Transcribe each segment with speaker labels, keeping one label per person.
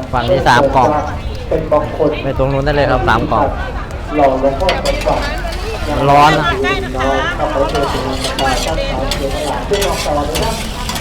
Speaker 1: ฝั่งนี้3 กล่อง
Speaker 2: เป็นบางคน
Speaker 1: ไปตรงนู้นได้เลยครับ3 กล่อง
Speaker 2: หล่อหลวงพ่อสมบัติ
Speaker 1: มันร้อนนะ
Speaker 2: น้อยถ้าเขาเจอเป็นการตั้งฐานเสียหลักที่บอกต่อเลยนะ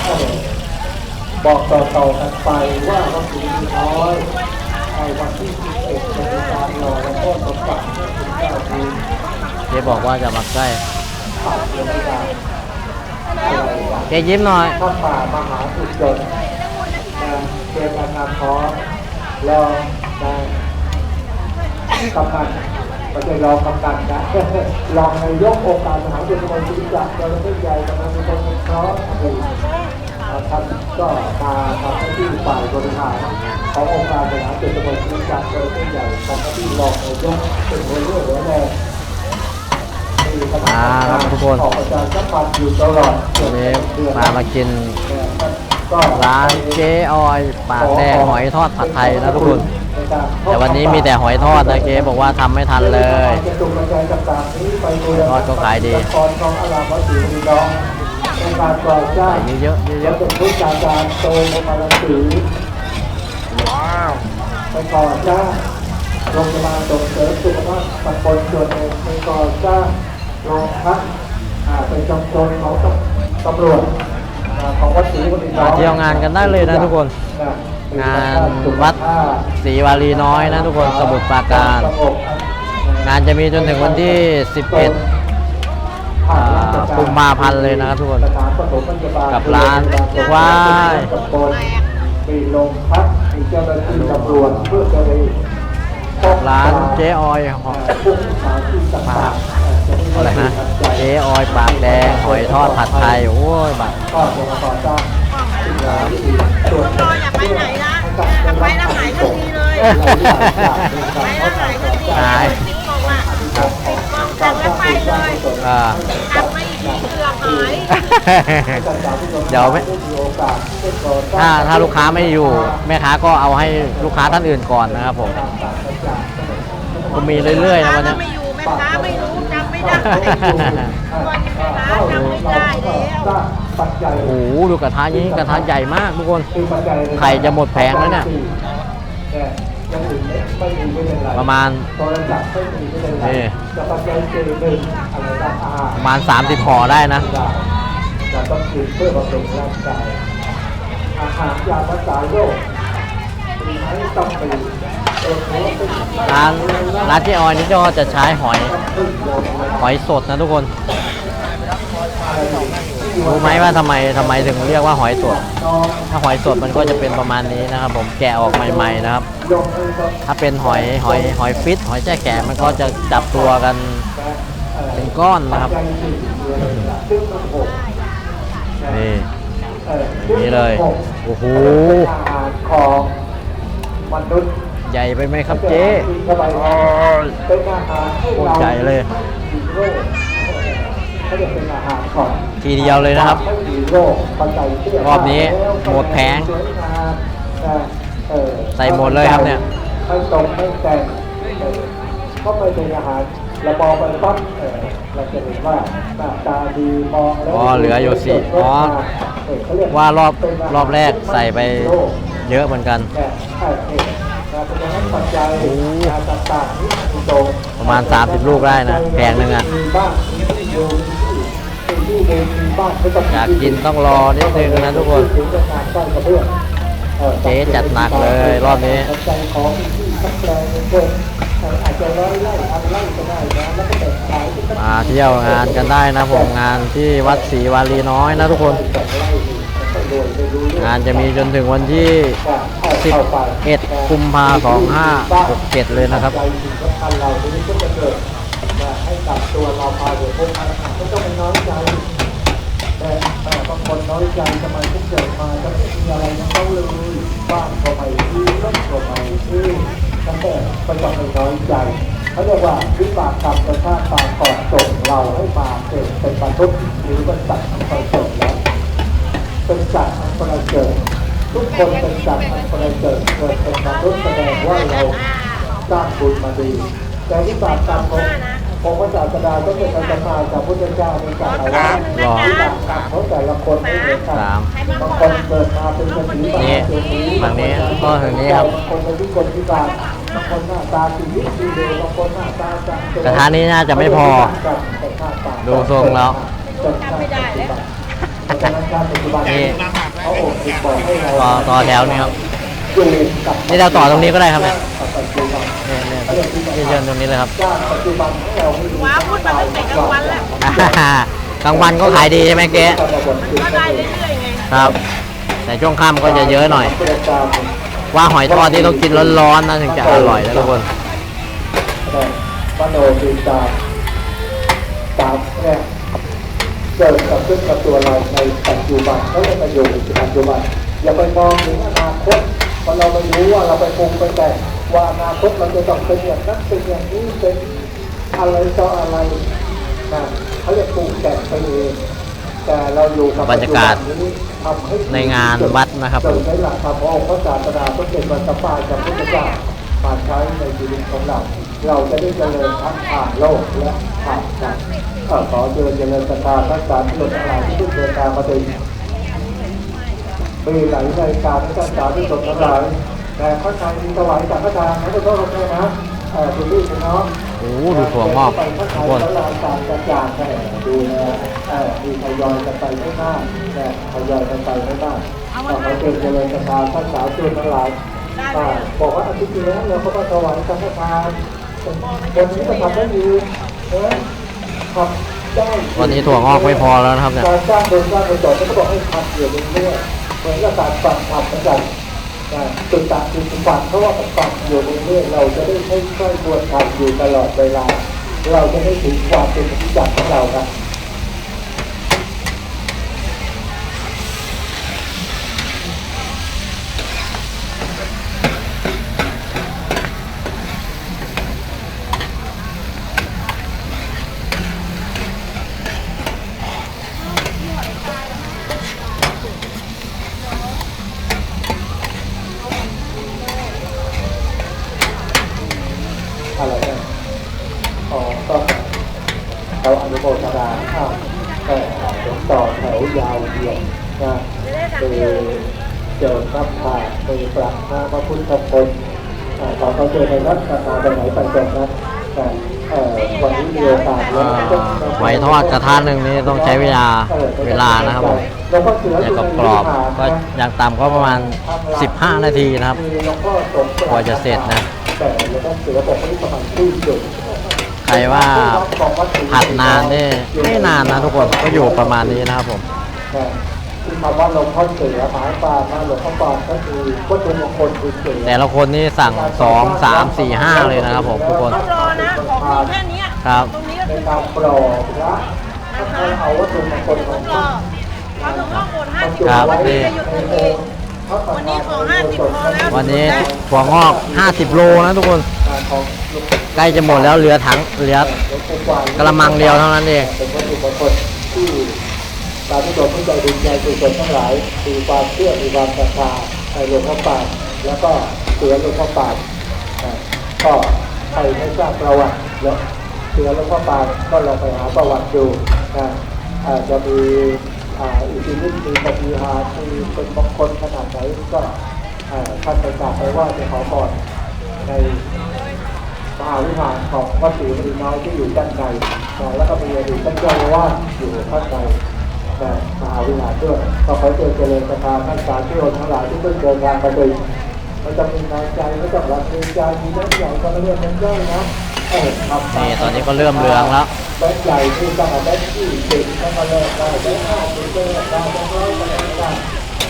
Speaker 2: บอกต่อกันไปว่าวัดศรีน้อยในวันที่11จะมีการหล่อหลวงพ่อสมบัติ19 ปี
Speaker 1: เจ๊บอกว่าจะมาใกล้
Speaker 2: ผ่านยังไม่ได้
Speaker 1: เจ๊ยิ้มหน่อย
Speaker 2: พระป่ามหาสุจนเจอกันงานท้อรอได้กำนันไม่ใช่รอกำนันนะรองนายกองค์การมหาวิทยาลัยศิริจักรเราไม่ใหญ่กำนันเป็นคนเพราะท่านก็มาทำหน้าที่ฝ่ายบริหารขององค์การมหาวิทยาลัยศิริจักรเราไม่ใหญ่ทำหน้าที่รองนายกเป็นหัวเรือหัวแรง
Speaker 1: ครับทุกคน
Speaker 2: ออกอาจารย์สัมพันธ์อยู่ตลอด
Speaker 1: วันนี้มากินร้านเจ๊ออยปากแดงหอยทอดผัดไทยนะทุกคนแต่วันนี้มีแต่หอยทอดนะเจ๊บอกว่าทำไม่ทันเลยทอดก็ขายดีใส่เยอะๆเยอะ
Speaker 2: เป็นผู้จัดการโตมาลสีว้าวไปก่อนจ้าโรงพยาบาลส่งเสริมสุขภาพตำบลส่วนเองไปก่อนจ้าโรงพักเป็นจำชนของตำรวจของวัดศรีวันนี้
Speaker 1: ๆมาเที่ยวงานกันได้เลยนะทุกคนงานวัดศรีวารีน้อยนะทุกคนสมุทรปราการงานจะมีจนถึงวันที่11 กุมภาพันธ์เลยนะครับทุกคนกับร้านว้าย
Speaker 2: มีโรงพักมีเจ้าหน้าที่ตำรวจเพื่อจะได้
Speaker 1: ร้านเจ๊ออยปากอะไรนะเจ๊ออยปากแดงหอยทอดผัดไทยโอ้ยบัตร
Speaker 2: ก็จะมาต่อจ้าง
Speaker 3: รออย่าไปไหนนะไปแล้วหายทันทีเลยไปแล้วหายทันทีเลย10 กล่องอ่ะ10 กล่องสั่งแล้วไปเลยสั่งไม่ดีเกือบหาย
Speaker 1: เดี๋ยวถ้าลูกค้าไม่อยู่แม่ค้าก็เอาให้ลูกค้าท่านอื่นก่อนนะครับผมก็มีเรื่อยๆนะวันนี้
Speaker 3: ไม่อยู่แม่ค้าไม่รู้จำไม่ได้วันนี้แม่ค้าจำไม่ได้แล้ว
Speaker 1: โอ้โหดูกระทะนี้กระทะใหญ่มากทุกคนไข่จะหมดแผงแล้วเนี่ยประมาณนี่ประมาณ30 ห่อได้นะ
Speaker 2: จะต้องกินเพื่อบำรุงร่างกายอาหารยารักษาโรคมีให้ต้องไป
Speaker 1: ร้านเจ๊ออยนี่ก็จะใช้หอยสดนะทุกคนรู้ไหมว่าทำไมถึงเรียกว่าหอยสดถ้าหอยสดมันก็จะเป็นประมาณนี้นะครับผมแกะออกใหม่ๆนะครับถ้าเป็นหอยฟิตหอยแจ้แกะมันก็จะจับตัวกันเป็นก้อนนะครับนี่เลยโอ้โห
Speaker 2: ของมนุษย์
Speaker 1: ใหญ่ไปไหมครับเจ๊โคตรใหญ่เลยทีเดียวเลยนะครับรอบนี้หมดแผงใส่หมดเลยครับเนี่ย
Speaker 2: ไม่ตรงไม่แต่งก็ไม่เป็นอาหารเรามองไปปั๊บเราจะเห็นว่าหน้าตาดีมองแล้ว
Speaker 1: เหลืออยู่สิว่ารอบแรกใส่ไปเยอะเหมือนกันประมาณ30 ลูกได้นะแผงหนึ่งอ่ะอยากกินต้องรอนิดนึงนะทุกคนเจ๊จัดหนักเลยรอบนี้มาเที่ยวงานกันได้นะผมงานที่วัดศรีวารีน้อยนะทุกคนงานจะมีจนถึงวันที่11 กุมภาพันธ์ 2567เลยนะครับ
Speaker 2: ให้กับตัวเราพาเดี๋ยวพวกมันไม่ต้องไปน้อยใจแต่บางคนน้อยใจทำไมถึงเกิดมาจะไม่มีอะไรทั้งเขาเลยบ้านก็ไม่ดีรถก็ไม่ดีตั้งแต่ไปต้องไปน้อยใจเขาเรียกว่าวิบากกรรมกระชากตาก่อนส่งเราให้มาเกิดเป็นมนุษย์หรือเป็นสัตว์อันประเสริฐแล้วเป็นสัตว์อันประเสริฐทุกคนเป็นสัตว์อันประเสริฐเกิดเป็นมนุษย์แสดงว่าเราสร้างบุญมาดีแต่วิบากกรรมขององค์พระศาสดาต้องเป็นธรรมาจากพุทธเจ้าเป็นจากอะไรที่ต่างกันเพราะแต่ละคนไม่เหมือนกัน
Speaker 1: สาม
Speaker 2: บางคนเกิดมาเป็นคนสี
Speaker 1: นี่ฝั่งนี้ก็ทางนี้ครับ
Speaker 2: บางคนเป็นที่คนที่การบางคนหน้าตาสีดีสีเดบางคนหน้าตาจัง
Speaker 1: กระทะนี้น่าจะไม่พอ ดูทรงแล้ว
Speaker 3: ไม่ได้แล้ว
Speaker 1: นี่
Speaker 2: เขาโอบติดบอกให้เรา
Speaker 1: ต่อแถวนี้ครับ
Speaker 2: อยู่กับ
Speaker 1: นี่เราต่อตรงนี้ก็ได้ครับเนี่ย
Speaker 2: ปัจจุบัน
Speaker 1: นี่เชิญตรงนี้เลยครับ
Speaker 2: จ้างปัจจุบันให้เราไม่รู้
Speaker 3: ว้าพูดมาตั้งแต่กลางวันแล้ว
Speaker 1: กลางวันก็ขายดีใช่ไหมเก๊
Speaker 3: ก็ได้เรื่อยๆไง
Speaker 1: ครับ แต่ช่วงค่ำก็จะเยอะหน่อย ว่าหอยทอดที่ต้องกินร้อนๆนะถึงจะอร่อยนะทุกคน
Speaker 2: มโนติตาตามเนี่ยเกิดกับขึ้นกับตัวเราในปัจจุบันเขาเรียกประโยชน์ในปัจจุบันอย่าไปมองถึงอนาคตเพราะเราไม่รู้ว่าเราไปปรุงไปแต่งว่าอนาคตเราจะต้องเป็นอย่างนั้นเป็นอย่างนี้เป็นอะไรต่ออะไรนะเขาเรียกปรุงแต่งไปเองแต่เราอยู่กับบ
Speaker 1: รรยากาศ
Speaker 2: นี้ทำให้
Speaker 1: ในงานวัดนะครับ
Speaker 2: โดยใช้หลักธรรมขององค์พระศาสดาต้องเป็นวันสปาจากพุทธเจ้ามาใช้ในชีวิตของเรา เราจะได้เจริญทั้งผ่านโลกและผ่านใจขอเจริญศรัทธาพระสาธุชนทั้งหลายที่เพิ่งเดินทางมาถึงมีหลายรายการที่ท่านสาธุชนทั้งหลายแต่พระทานมีถวายจากพระทานนะทุกท่านนะคุณพี่คุณน้อง
Speaker 1: โอ้โหดูถั่วงอก
Speaker 2: ไปพระ
Speaker 1: ทุ
Speaker 2: ทาก น
Speaker 1: คน
Speaker 2: พระลานต่างกระจายดูนะมีทยอยกันไปไม่มากแต่ทยอยกันไปไม่มากขอเจริญศรัทธาท่านสาธุชนทั้งหลายบอกว่าอาทิตย์ที่แล้วเราก็มาถวายสังฆทานวันนี้ก็ทำได้ดีทำได้
Speaker 1: วันนี้ถั่วงอกไม่พอแล้วนะครับเนี่ย
Speaker 2: การสร้างโดยสร้างโดยจอดก็บอกให้ทำอยู่เรื่อยๆเหมือนกับการฝังทำเหมือนกันจุดตัดจุดฝังเพราะว่ามันฝังอยู่เรื่อยๆเราจะได้ค่อยๆควรทำอยู่ตลอดเวลาเราจะได้ถึงความเป็นปฏิจจของเราครับอะไรนะก็เขาอนุโมทนาต่อแถวยาวเหยียดนะคือเจอพระพามีประพระพุทธพจน์ขอเขาเจอในรัชกาลไหนปัจจุบันวันนี้มีโอกาส
Speaker 1: หอยทอดกระทะหนึ่งนี่ต้องใช้เวลานะครับผมอย่างกรอบๆก็อย่างต่ำก็ประมาณ 15 นาทีนะครับ กว่าจะเสร็จนะ ใครว่าผัดนานนี่ไม่นานนะทุกคนก็อยู่ประมาณนี้นะครับผม
Speaker 2: คือคำว่าหลวงพ่อเสือหมายความว่าหลวงพ่อปานก็คือวัตถุมงคลคือเสือ
Speaker 1: แต่ละคนนี่สั่ง 2, 3, 4, 5 เลยนะครับผมทุกคน
Speaker 3: ต้องรอนะของมีแค่เนี้ย
Speaker 1: ครับ
Speaker 3: ตรงนี้ก็
Speaker 2: ใน
Speaker 3: คือ
Speaker 2: การปลอกพระถ้าเอาวัตถุมงคลของ
Speaker 3: รอเขาต้องรอหมด50
Speaker 1: ครับ
Speaker 3: วันนี้
Speaker 1: นี่
Speaker 3: จะหยุดทันทีวันนี้ขอ50พอแล้ว
Speaker 1: วันนี้ถั่วงอก 50 โลนะทุกคน ใกล้จะหมดแล้วเหลือกระมังเดียวเท่านั้นเอง
Speaker 2: เป็นวัตถุมงคลที่ตามที่ตัวผู้ใจดีใจสุขทั้งหลายมีความเชื่อมีความศรัทธาในหลวงพ่อปานแล้วก็เสือหลวงพ่อปานก็ใครไม่ทราบประวัติแล้วเสือหลวงพ่อปานก็ลองไปหาประวัติดูจะมีอิทธิฤทธิ์มีปฏิหารย์มีเป็นมงคลขนาดไหนก็ท่านไปกราบไปไหว้ไปขอพรในมหาวิหารของวัดศรีมณีน้อยที่อยู่ด้านในแล้วก็มีอดีตท่านเจ้าอาวาสอยู่ข้างในมหาวิหารด้วยก็ขอเจริญศรัทธาท่านสาธุชนทั้งหลายที่เพิ่งเดินทางมาถึงมันจะมีน้ำใจไม่ต้องรักมีใจมีน้ำใหญ่ก็ไม่เรียกมันย่อยนะ
Speaker 1: นี่ตอนนี้ก็เริ่มเหลืองแล้ว
Speaker 2: แบงค์ใหญ่ที่ตั้งแต่แบงค์ที่10ตั้งแต่แรกได้แบงค์50ได้แบงค์100ได้แบงค์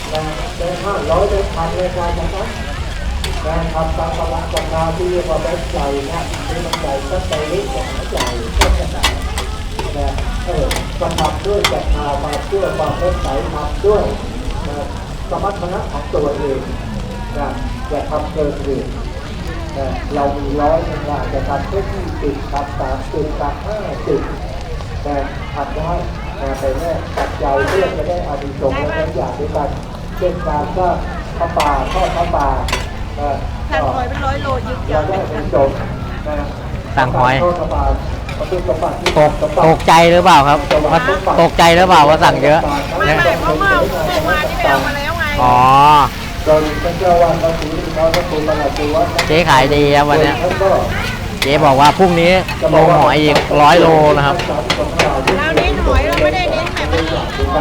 Speaker 2: 500ได้1,000ได้ได้จากนั้นการทำตามพลังศรัทธาที่เรียกว่าแบงค์ใหญ่นะนี่มันใหญ่ตั้งแต่เล็กกว่าใหญ่ก็ขนาดนะก็ทำด้วยศรัทธามาเชื่อความเมตตาทำด้วยสมรรถนะของตัวเองนะอย่าทำเกินเหตุเรามี100นึงว่าจะทำแค่20ทำ30ทำ50แต่ทำได้ไปแน่ตัดใจเพื่อจะได้อานิสงส์และได้อย่างด้วยกันเช่นการสร้างพระป่าทอดพระป่า
Speaker 3: สั่งหอยเป็น100 โลยิบ
Speaker 2: เราได้เป็นจบ
Speaker 1: สั่งหอย
Speaker 2: ทอดพระป่า
Speaker 1: ตกใจหรือเปล่าครับว่าตกใจหรือเปล่าว่าสั่งเยอะ
Speaker 3: ไม่เพราะเมื่อวานที่ไปเอามาแล้วไง
Speaker 1: อ๋อ
Speaker 2: โดยท่านเจ้าว่าพระศรีน้อยพระครูประหลัดวัด
Speaker 1: เจ๊ขายดีครับวันเนี้ย
Speaker 2: ท่านก็
Speaker 1: เจ๊บอกว่าพรุ่งนี้ลงหอยอีก100 โลนะครับ
Speaker 3: เราเน้นหอยเราไม่ได้เน้นแบบนี้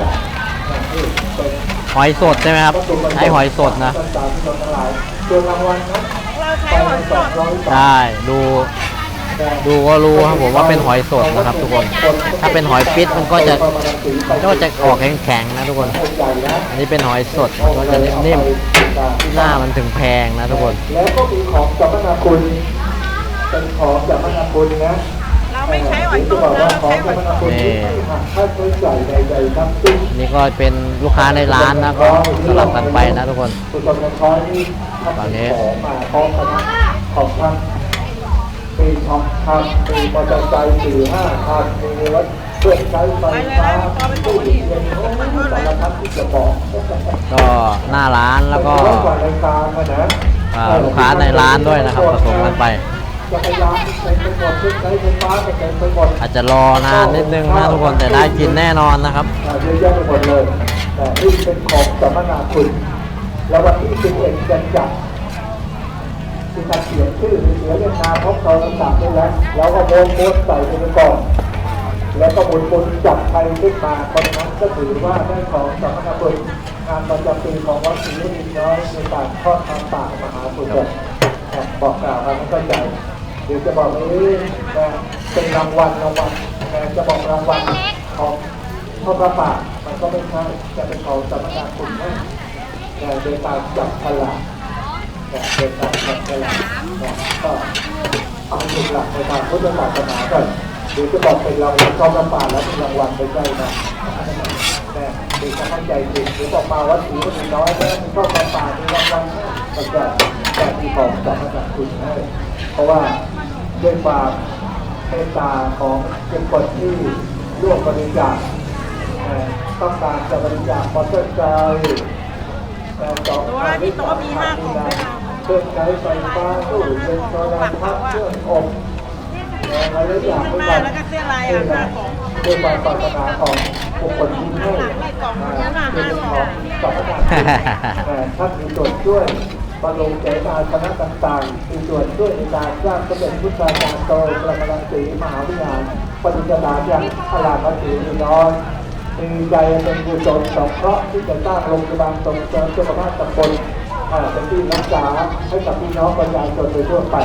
Speaker 1: หอยสดใช่ไหมครับใช้หอยสดนะ
Speaker 2: ส่วนรางวัลครับ
Speaker 3: เราใช้หอยสด
Speaker 1: ใช่ดูก็รู้ครับผมว่าเป็นหอยสดนะครับทุกคน ถ้าเป็นหอยฟิตมันก็จะออกแข็งๆนะทุกคน อันนี้เป็นหอยสดมันก็จะนิ่มๆหน้ามันถึงแพงนะทุกคน
Speaker 2: แล้วก็มีของสัมมนาคุณเป็นของสัมมนาคุณนะ
Speaker 3: เราไม่ใช้หอย
Speaker 2: จะ
Speaker 3: ต้ม
Speaker 2: บอก
Speaker 3: นะ
Speaker 2: ว่า
Speaker 3: เรา
Speaker 2: ของ
Speaker 3: ใช้ห
Speaker 2: สั
Speaker 3: อ
Speaker 2: ม
Speaker 3: ย
Speaker 2: ม
Speaker 3: ส
Speaker 2: นา
Speaker 3: ด
Speaker 2: คุณที่ไม่หักค่าใช้จ่ายใดๆทั้งสิ้น
Speaker 1: นี่ก็เป็นลูกค้าในร้านนะก็สลับกันไปนะทุกคน
Speaker 2: สุดยอดของเขาที่ทำของมาพร้อมคณะของท่านมีทองคำมีมอเตอร์ไซค์4-5 คันมีรถเครื่องใช้ไฟฟ้าตู้เย็นสารพัดที่จะบอก
Speaker 1: ก็หน้าร้านแล้วก็
Speaker 2: กว่ารายการนะ
Speaker 1: ลูกค้าในร้านด้วยนะครับผสมกันไป
Speaker 2: จักรยานเต็มไปหมดเครื่องใช้ไฟฟ้าเต็มไปหมด
Speaker 1: อาจจะรอนานนิดนึงนะทุกคนแต่ได้กินแน่นอนนะครับ
Speaker 2: เยอะแยะไปหมดเลยแต่นี่เป็นของสัมมนาคุณแล้ววันที่11จะจัดที่การเขียนชื่อเสียเรียกนามพบเราต่างๆได้แล้วก็โพสต์ใส่ไปก่อน แล้วก็บุญจับใครขึ้นมาคนนั้นก็ถือว่าได้ของสัมมนาคุณงานประจำปีของวัดศรีนินน้อยในการทอดทางป่ามหาสุดบอกกล่าวกันให้เข้าใจเดี๋ยวจะบอกว่าเป็นรางวัลจะบอกรางวัลของทอดพระป่ามันก็ไม่ใช่จะเป็นของสัมมนาคุณให้โดยการจับฉลากโดยการจับฉลากก็เอาจุดหลักในทางพุทธศาสนาก่อนหรือจะบอกเป็นรางวัลทอดพระป่าแล้วเป็นรางวัลไม่ใช่นะเด็กจะเข้าใจผิดหรือบอกมาวัดศรีนินน้อยแล้วมีทอดพระป่ามีรางวัลก็จะมีของสัมมนาคุณให้เพราะว่าด้วยความเมตตาของเป็นคนที่ร่วมบริจาคต้องการจะบริจาคมอเตอร์ไซค์
Speaker 3: ตัวที่โต๊ะมี5 กล่องด้วยนะ
Speaker 2: เครื่องใช้ไฟฟ้าตู้เย็นโซลาร์พัดเครื่องอบอะไรหลายอย่าง
Speaker 3: ข้างหน้าแล้วก็เสื้อลายอ่ะ5 กล่อง
Speaker 2: ด้วยความปรารถนาของบุคคลที่ให้
Speaker 3: หลังในกล่องนั้นน่ะ
Speaker 2: เป็น
Speaker 3: 5 ก
Speaker 2: ข
Speaker 3: ล่
Speaker 2: อ
Speaker 3: อง ง
Speaker 2: สัมมนาท่านมีส่วนช่วยบรรลุเจตนาคณะต่างๆมีส่วนช่วยในการสร้างสมเด็จพุทธาจารย์โตพระมรังสีมหาวิหารปฏิจจารอย่างพระราชสีนินน้อยมีใจเป็นกุศลสงเคราะห์ที่จะสร้างโรงพยาบาลส่งเสริมสุขภาพตำบลเป็นที่รักษาให้กับพี่น้องประชาชนโดยทั่วไป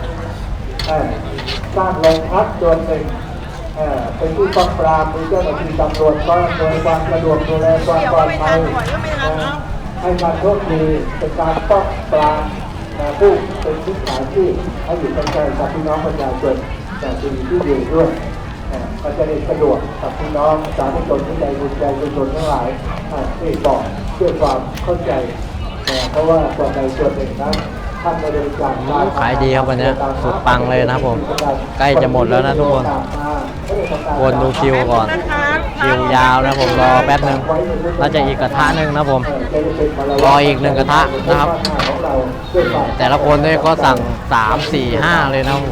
Speaker 2: สร้างโรงพักส่วนหนึ่งเป็นที่ป้องปรามมีเจ้าหน้าที่ตำรวจก็โดยความสะดวกดูแลความปลอดภัยให้การโชคดีเป็นการป้องปรามผู้เป็นผู้ขายที่ให้อยู่ใกล้ๆกับพี่น้องประชาชนแต่ที่อยู่ด้วยก็จะได้สะดวกกับพี่น้องสาธุชนที่ใจบุญใจกุศลทั้งหลายที่บอกด้วยความเข้าใจเพราะว่าส่วนใดส่วนหนึ่งนั้นท่านบริจาค
Speaker 1: ขายดีครับวันนี้สุดปังเลยนะครับผมใกล้จะหมดแล้วนะทุกคนวนดูคิวก่อนคิวยาวนะผมรอแป๊บนึงน่าจะอีกกระทะหนึ่งนะผมรออีก1 กระทะนะครับ แต่ละคนเนี่ยก็สั่ง3 4 5เลยนะครับผม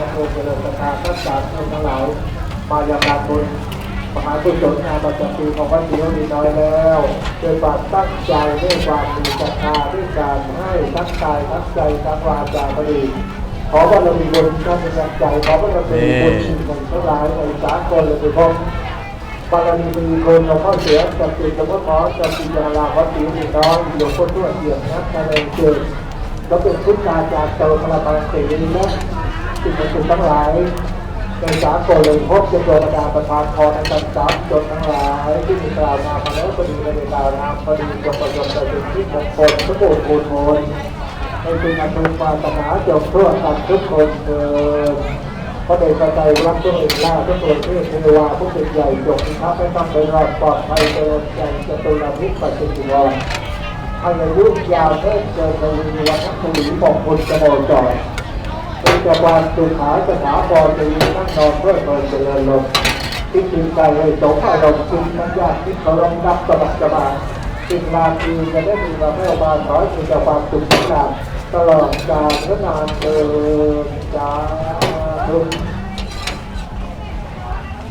Speaker 2: มายังการบุญมหากุศลงานประจำปีของวัดศรีนินน้อยแล้วโดยความตั้งใจด้วยความมีศรัทธาด้วยการให้ทั้งกายทั้งใจทั้งวาจาพอดีขอบารมีบุญท่านเป็นกำลังใจขอบารมีบุญของทั้งหลายในสากลเลยทุกคนบารมีบุญหลวงพ่อเสือจักริหลวงพ่อหมอจักริยาลาวัดศรีนินน้อยหลวงพ่อทวดเกี่ยมนักการเงินเกิดแล้วเป็นพุทธาจารย์โตพระบางศรีนินนะสิ่งศักดิ์สิทธิ์ทั้งหลายในสากลเลยพบจะโดนดาประทานพรในการสามจนทั้งหลายที่มีกล่าวนามาแล้วพอดีในกล่าวนาพอดีจงประโยชน์เป็นที่มงคลทุกคนโอนโอนให้เป็นอนุปาสนาจงทั่วกันทุกคนเถิดพระเดชพระใจรักทุกเอกล่าทุกตัวเทพเทวาผู้เป็นใหญ่จงมีทัพให้ต้องไปรอดปลอดภัยเดินใจจะตุลาภิปัจจุบันให้อายุยาวเทิดเจริญในวันทั้งปีของคุณจะโดนจ่อยเป็นจักรวาลสุขาสถาบรจะยืนนั่งนอนเพื่อเปิดเจริญลมคิดถึงใจให้สมอารมณ์คิดทั้งญาติคิดเขารองรับสบักสบายสิ่งนาทีจะได้มีมาแม่บานขอให้มีแต่ความสุขสำราญตลอดกาลและนานเกินจ้า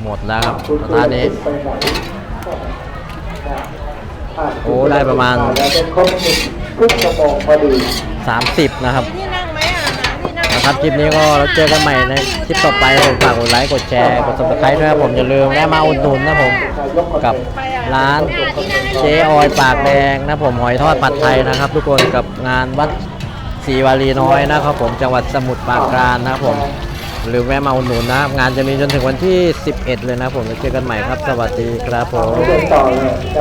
Speaker 1: หมดแล้วครับสถานนี้ โอ้ได้ประมาณ
Speaker 2: ครบครึ่งชั่วโมงพอดี
Speaker 1: 30 นะครับ
Speaker 3: ที่นั่งไหมอ่ะหาที่นั่ง
Speaker 1: นะครับคลิปนี้ก็เราเจอกันใหม่ในคลิปต่อไปผมฝากกดไลค์กดแชร์กด subscribe ด้วยครับผมอย่าลืมแวะมาอุดหนุนนะผมกับร้านเจ๊ออยปากแดงนะผมหอยทอดผัดไทยนะครับ ทุกคนกับงานวัดศรีวารีน้อยนะครับผมจังหวัดสมุทรปราการนะครับผมหรือแวะมาอุดหนุนนะครับงานจะมีจนถึงวันที่ 11 เลยนะผมแล้วเจอกันใหม่ครับสวัสดีครับผม
Speaker 2: เดินต่อเลย